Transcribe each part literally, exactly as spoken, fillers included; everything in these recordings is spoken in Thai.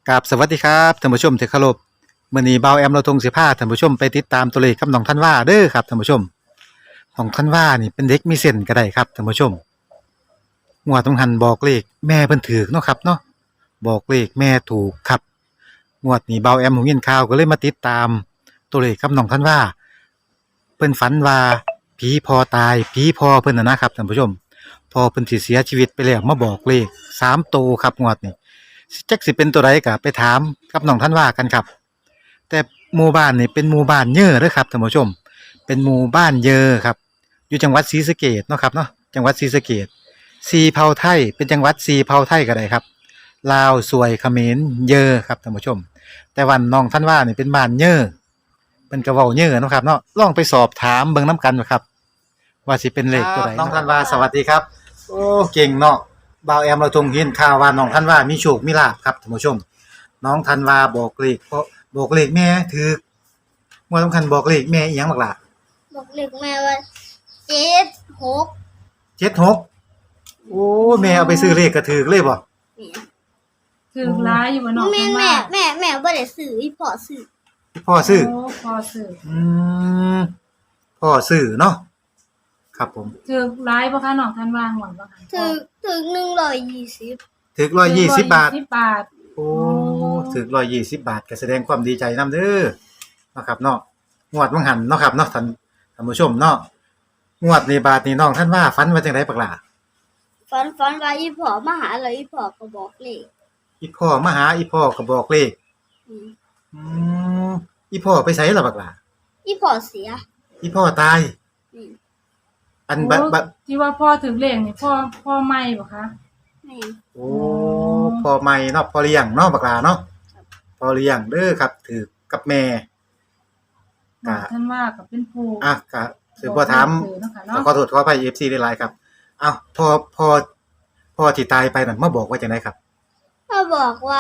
กับสวัสดีครับท่านผู้ชมที่เคารพมื้อนี้เบาแอมเราทงสิพาท่านผู้ชมไปติดตามตัวเลขกับน้องท่านว่าเด้อครับท่านผู้ชมน้องท่านว่านี่เป็นเด็กมีเส้นก็ได้ครับท่านผู้ชมงวดต้องหันบอกเลขแม่เพิ่นถูกเนาะครับเนาะบอกเลขแม่ถูกครับงวดนี้เบาแอมหูยินข่าวก็เลยมาติดตามตัวเลขกับน้องท่านว่าเพิ่นฝันว่าผีพอตายผีพอเพิ่นน่ะนะครับท่านผู้ชมพอเพิ่นสิเสียชีวิตไปแล้วมาบอกเลขสามตัวครับงวดนี้ จักสิเป็นตัวใดก็ไปถามกับน้องท่านว่ากันครับแต่หมู่บ้านนี่เป็นหมู่บ้านเย้อเด้อครับท่านผู้ชมเป็นหมู่บ้านเยอครับอยู่จังหวัดศรีสะเกษเนาะครับเนาะจังหวัดศรีสะเกษสีเผ่าไทยเป็นจังหวัดสีเผ่าไทยก็ได้ครับลาวสวยเขมรเยอครับท่านผู้ชมแต่วันน้องท่านว่านี่เป็นบ้านเยอเป็นกระเว้าเยอเนาะครับเนาะลองไปสอบถามเบิ่งนํกันครับว่าสิเป็นเลขตัวใดน้องท่านว่าสวัสดีครับโอ้เก่งเนาะ บ่าวแอมเราทงเห็นข่าวว่าน้องธันวามีโชคมีลาภครับท่านผู้ชมน้องธันวาบอกเลขเพราะบอกเลขแม่ถูกบ่สำคัญบอกเลขแม่อีหยังบักล่ะบอกเลขแม่ว่าเจ็ดหกเจ็ด หกโอ้แม่เอาไปซื้อเลขก็ถูกเลยบ่ถูกหลายอยู่บ่น้องแม่แม่แม่แม่บ่ได้ซื้ออีพ่อซื้อพ่อซื้อโอ้พ่อซื้ออืมพ่อซื้อเนาะครับผมถูกหลายบ่คะน้องท่านว่าหวนบ่คะถึกถึกหนึ่งร้อยยี่สิบถูกหนึ่งร้อยยี่สิบบาทสิบบาทโอ้ถูกหนึ่งร้อยยี่สิบบาทก็แสดงความดีใจนำเด้อเนาะครับเนาะงวดวังหันเนาะครับเนาะท่านท่านผู้ชมเนาะงวดนี้บาทนี้น้องท่านว่าฝันว่าจังได๋บักล่ะฝันฝันว่าอีพ่อมาหาแล้วอีพ่อก็บอกเลขอีพ่อมาหาอีพ่อก็บอกเลขอืมอืมอีพ่อไปไสล่ะบักล่ะอีพ่อเสียอีพ่อตายอืมอันบัดบัดที่ว่าพ่อถูกเลขนี่พ่อพ่อใหม่บ่คะแม่โอ้พ่อใหม่เนาะพ่อเลี้ยงเนาะบักล่ะเนาะพ่อเลี้ยงเด้อครับถือกับแม่น้องท่านว่าก็เป็นผู้อ่ะก็สิบ่ถามขอโทษขออภัย เอฟ ซี หลายๆครับอ้าวพ่อพ่อพ่อที่ตายไปนั่นมาบอกว่าจังได๋ครับพ่อบอกว่า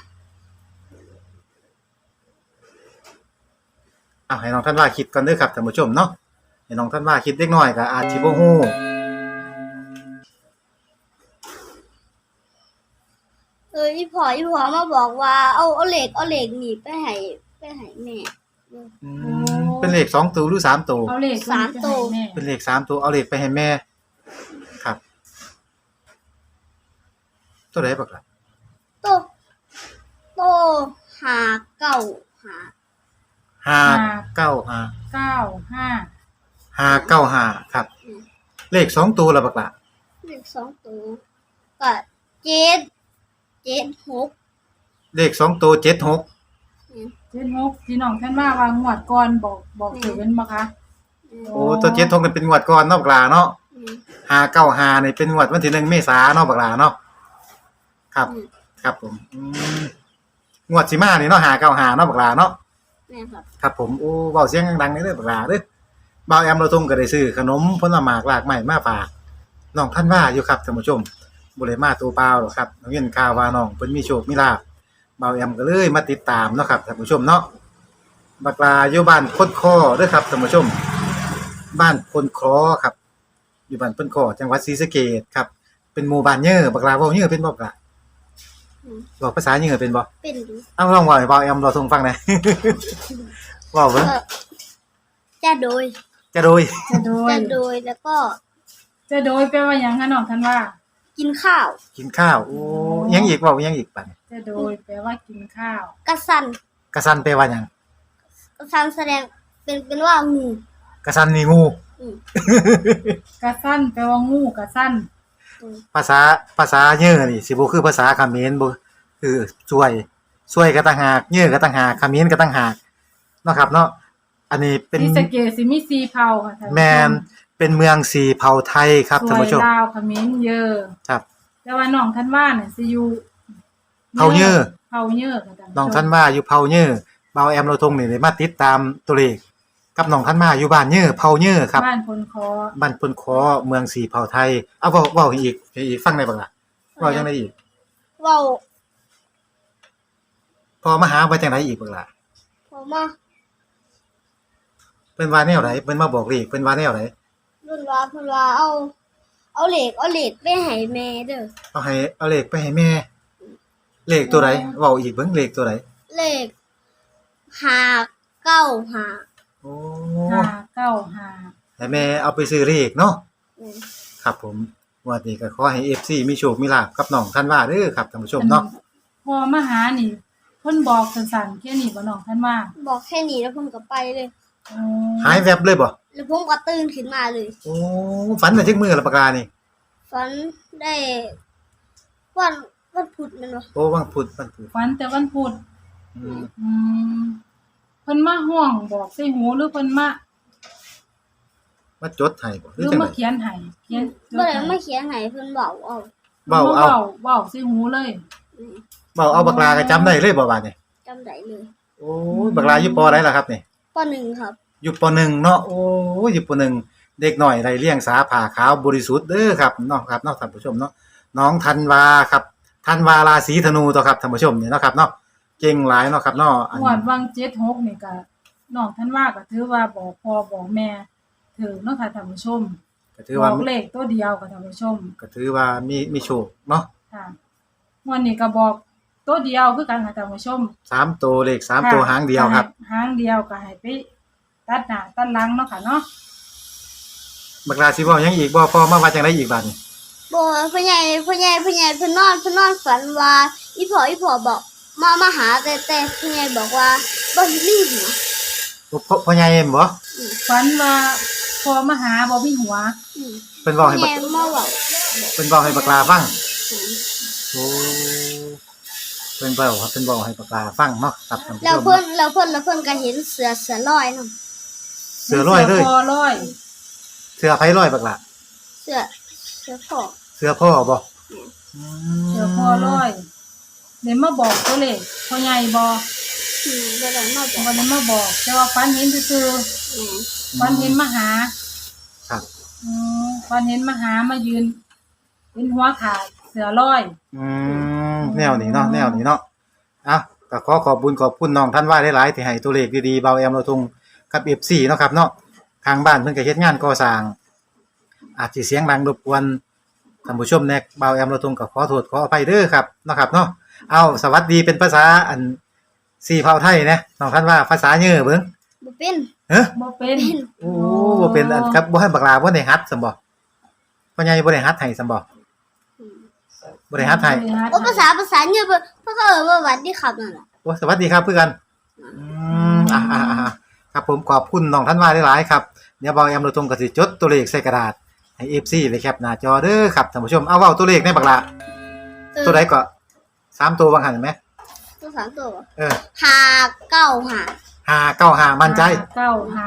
อ้าวให้น้องท่านว่าคิดก่อนเด้อครับท่านผู้ชมเนาะให้น้องท่านว่าคิดเล็กน้อยก็อาจสิบ่ฮู้เอออีพ่ออีพ่อมาบอกว่าเอาเอาเลขเอาเลขนี่ไปให้ไปให้แม่อืมเป็นเลขสองตัวหรือสามตัวเอาเลขสามตัวเป็นเลขสามตัวเอาเลขไปให้แม่ครับตัวใดบักล่ะโตโตห้าเก้าห้าห้าเก้าห้าเก้าห้าห้าเก้าห้าครับเลขสองตัวล่ะบักล่ะเลขสองตัวก็เจ็ดเจ็ดหกเลขสองตัวเจ็ด หกเจ็ดหกที่น้องท่านว่าว่างวดก่อนบอกบอกถูกเป็นบ่คะโอ้ตัวเจ็ด หกนี่เป็นงวดก่อนเนาะบักล่ะเนาะห้าเก้าห้านี่เป็นงวดวันที่หนึ่งเมษายนเนาะบักล่ะเนาะครับครับผมอืมงวดสิมานี่เนาะห้าเก้าห้าเนาะบักล่ะเนาะแม่ครับครับผมโอ้เว้าเสียงดังๆเด้อบักล่ะเด้อบ่าวแอมเราทงก็ได้ซื้อขนมผลไม้หลากไม้มาฝากน้องท่านว่าอยู่ครับท่านผู้ชมบ่ได้มาตัวเปล่าหรอกครับน้องเห็นข่าวว่าน้องเพิ่นมีโชคมีลาภบ่าวแอมก็เลยมาติดตามเนาะครับท่านผู้ชมเนาะบักลาอยู่บ้านพนคอเด้อครับท่านผู้ชมบ้านพนคอครับอยู่บ้านพนคอจังหวัดศรีสะเกษครับเป็นหมู่บ้านเย้อบักลาเว้าเย้อเป็นบ่บักลาบอกภาษาเย้อเป็นบ่เป็นอยู่เอ้าลองเว้าให้บ่าวแอมเราทงฟังหน่อยเว้าเบิ่งจะโดยจะโดยจะโดยจะโดยแล้วก็จะโดยแปลว่าหยังคะน้องท่านว่ากินข้าวกินข้าวโอ้ยังอีกเว้ายังอีกบัดจะโดยแปลว่ากินข้าวกะสันกะสันแปลว่าหยังกะสันแสดงเป็นเป็นว่างูกะสันนี่งูอืมกะสันแปลว่างูกะสันภาษาภาษาเย้อนี่สิบ่คือภาษาเขมรบ่คือช่วยช่วยก็ต่างหากเย้อก็ต่างหากเขมรก็ต่างหากเนาะครับเนาะอันนี้เป็นศรีสะเกษสิมีสี่เผ่าค่ะท่านแม่นเป็นเมืองสี่เผ่าไทยครับท่านผู้ชมลาวเขมรเยอครับแต่ว่าน้องท่านว่าน่ะสิอยู่เผ่าเย้อเผ่าเยอค่ะท่านน้องท่านว่าอยู่เผ่าเย้อบ่าวแอมเราทงนี่ได้มาติดตามตัวเลขกับน้องท่านมาอยู่บ้านเย้อเผ่าเย้อครับบ้านพนคอบ้านพนคอเมืองสี่เผ่าไทยเอาเว้าเว้าอีกอีกฟังได้บ่ล่ะเว้าจังได๋อีกเว้าพอมาหาว่าจังได๋อีกบ่ล่ะพอมาเพิ่นว่าแนวใดเพิ่นมาบอกเลขเพิ่นว่าแนวใดเพิ่นว่าเพิ่นว่าเอาเอาเลขเอาเลขไปให้แม่เด้อเอาให้เอาเลขไปให้แม่เลขตัวใดเว้าอีกเบิ่งเลขตัวใดเลขห้าเก้าห้าโอ้ห้าเก้าห้าให้แม่เอาไปซื้อเลขเนาะอืมครับผมงวดนี้ก็ขอให้ เอฟ ซี มีโชคมีลาภกับน้องธันวาเด้อครับท่านผู้ชมเนาะพอมาหานี่เพิ่นบอกสั้นๆแค่นี้บ่น้องท่านว่าบอกแค่นี้แล้วผมก็ไปเลยอ๋อหายแวบเลยบ่แล้วผมก็ตื่นขึ้นมาเลยโอ้ฝันแต่ทึกมือละปากกานี่ฝันได้วันวันพุธแมันวะโอ้วันพุธวันพุธฝันแต่วันพุธอืมอืมเพิ่นมาห้องบอกใส่หูหรือเพิ่นมามาจดให้บ่หหรืรือ อจังมาได๋เขียนให้เขียนบ่ได้มาเขียนให้เพิ่นบอกเอาเว้าเอาเว้าเว้าใส่หูเลยอืมเว้าเอาบักลาก็จำได้เลยบ่บาดนี่จำได้เลยโอ้ยบักลาอยู่ปอใดล่ะครับนี่ปหนึ่งครับอยู่ปหนึ่งเนาะโอ้ยอยู่ปหนึ่งเด็กน้อยไร้เลี้ยงสาผ่าขาวบริสุทธิ์เด้อครับเนาะครับเนาะท่านผู้ชมเนาะน้องธันวาครับธันวาราศีธนูตัวครับท่านผู้ชมนี่เนาะครับเนาะเก่งหลายเนาะครับเนาะอันงวดวังเจ็ดหกนี่ก็น้องท่านว่าก็ถือว่าบอกพ่อบอกแม่ถือเนาะค่ะท่านผู้ชมก็ถือว่าบอกเลขตัวเดียวกับท่านผู้ชมก็ถือว่ามีมีโชคเนาะค่ะงวดนี้ก็บอกตัวเดียวคือกันค่ะท่านผู้ชมสามตัวเลขสามตัวหางเดียวครับหางเดียวก็ให้ไปตัดหน้าตัดหลังเนาะค่ะเนาะบักลาสิเว้าหยังอีกบ่พอมาว่าจังได๋อีกบาดนี้บ่พ่อใหญ่พ่อใหญ่พ่อใหญ่เพิ่นนอนเพิ่นนอนฝันว่าอีพ่ออีพ่อบอกมามาหาแต่แต่พ่อใหญ่บอกว่าบ่เห็นมีหัวพ่อพ่อใหญ่เอ็มบ่ฝันว่าพอมาหาบ่มีหัวอืมเพิ่นเว้าพ่อให้ใหบัญ่กมาบอกเพิ่นเว้าให้บักลาฟังอืมโอ้เพิ่นเว้าครับเพิ่นเว้าให้บักลาฟังเนาะครับท่านผู้แล้วชมเพิ่นเนาะแล้วเพิ่นแล้วเพิ่นก็เห็นเสือเสือลอยนำเสือร้อยเลยสืคอร้อยเสือไผร้อยบักลาเสือเสือพ่อเสือพ่อบ่อืมอืมเสือคอร้อยเดี๋ยวมาบอกตัวเลขพ่อใหญ่บอกอืมบ่ได้มาบอกวันนี้มาบอก แต่ว่าฝันเห็นซื่ออืมๆฝันเห็นมาหาครับอืมฝันเห็นมาหามายืนเป็นหัวขาดเสือร้อยอืมแนวนี้เนาะแนวนี้เนาะอ่ะก็ขอขอบคุณขอบคุณน้องท่านว่าหลายๆที่ให้ตัวเลขดีๆเบาแอมเราทุงกับ เอฟ ซี เนาะครับเนาะทางบ้านเพิ่นก็เฮ็ดงานก่อสร้างอาจสิเสียงดังรบกวนท่านผู้ชมแน่เบาแอมเราทุงก็ขอโทษขออภัยเด้อครับเนาะครับเนาะเอาสวัสดีเป็นภาษาอันสี่เผ่าไทยนะน้องท่านว่าภาษาเยอะเบิ่งบ่เป็นเฮ้อบ่เป็นโอ้บ่เป็นอันครับบ่ให้บักลาบ่ได้ฮัดซั่นบ่พ่อใหญ่บ่ได้ฮัดให้ซั่นบ่อืมบ่ได้ฮัดให้โอ้ภาษาภาษาเนี่ยเพิ่นเพิ่นก็เอ่ยว่าหวัดดีครับนั่นล่ะโอ้สวัสดีครับเพื่อนอืมอ่าอ่าอ่าครับผมขอบคุณน้องท่านว่าหลายๆครับเดี๋ยวเบาแอมโดยตรงก็สิจดตัวเลขใส่กระดาษให้ เอฟ ซี เลยแคปหน้าจอเด้อครับท่านผู้ชมเอาเว้าตัวเลขในบักละเออตัวใดก็สามตัวบางหันเห็นไหมตัวสามตัวเออห้าเก้าห้าห้าเก้าห้ามั่นใจเก้าห้าง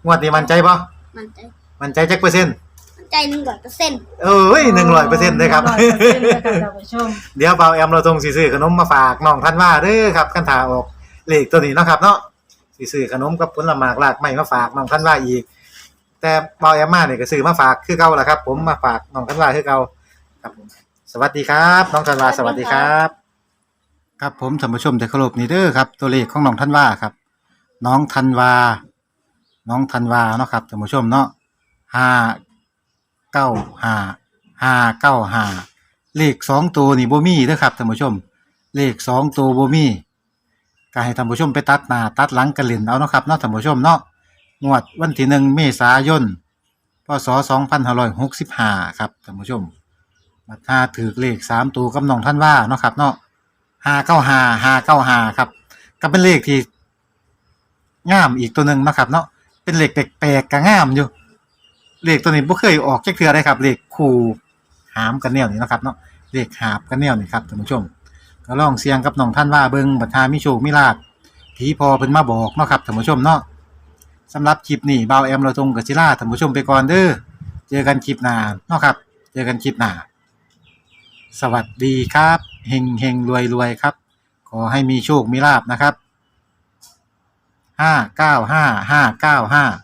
วดนี้มั่นใจบ่มันใจมั่นใจจักเปอร์เซ็นต์มันใจหนึ่งร้อยเปอร์เซ็นต์เอ้ยหนึ่งร้อยเปอร์เซ็นต์เลยครับหนึ่งร้อยเปอร์เซ็นต์เลยค่ะท่านผู้ชมเดี๋ยวเบาแอมเราตรงสิซื้อขนมมาฝากน้องท่านว่าเด้อครับคันถาออกเลขตัวนี้เนาะครับเนาะสิซื้อขนมกับผลไม้หลากไม้มาฝากน้องท่านว่าอีก แต่เบาแอมมาเนี่ยก็ซื้อมาฝากคือเก่าล่ะครับ ผมมาฝากน้องท่านว่าคือเก่าครับผมสวัสดีครับ น้องท่านว่าสวัสดีครับ ครับผมท่านผู้ชมที่เคารพนี่เด้อครับ ตัวเลขของน้องท่านว่าครับ น้องท่านว่าน้องท่านว่าเนาะครับท่านผู้ชมเนาะห้าเก้าห้าห้าเก้าห้าเลขสองตัวนี่บ่มีเด้อครับท่านผู้ชม เลขสองตัวบ่มีก็ให้ท่านผู้ชมไปตัดหน้าตัดหลังกันเล่นเอาเนาะครับเนาะท่านผู้ชมเนาะงวดวันที่หนึ่งเมษายนพศสองพันห้าร้อยหกสิบห้าครับท่านผู้ชมมาถ้าถือเลขสามตัวกับน้องท่านว่าเนาะครับเนาะห้าเก้าห้าห้าเก้าห้าครับก็เป็นเลขที่งามอีกตัวหนึ่งเนาะครับเนาะเป็นเลขแปลกๆก็งามอยู่เลขตัวนี้บ่เคยออกจักเทื่อได้ครับเลขคู่หามกันแนวนี้เนาะครับเนาะเลขหาบกันแนวนี้ครับท่านผู้ชมก็ลองเสี่ยงกับน้องท่านว่าเบิ่งบัดหามีโชคมีลาภผีพอเพิ่นมาบอกเนาะครับท่านผู้ชมเนาะสำหรับคลิปนี้บ่าวแอมเราตรงกับศิลาท่านผู้ชมไปก่อนเด้อเจอกันคลิปหน้าเนาะครับเจอกันคลิปหน้าสวัสดีครับเฮงเฮงรวยรวยครับ ขอให้มีโชคมีลาภนะครับห้าเก้าห้าห้าเก้าห้า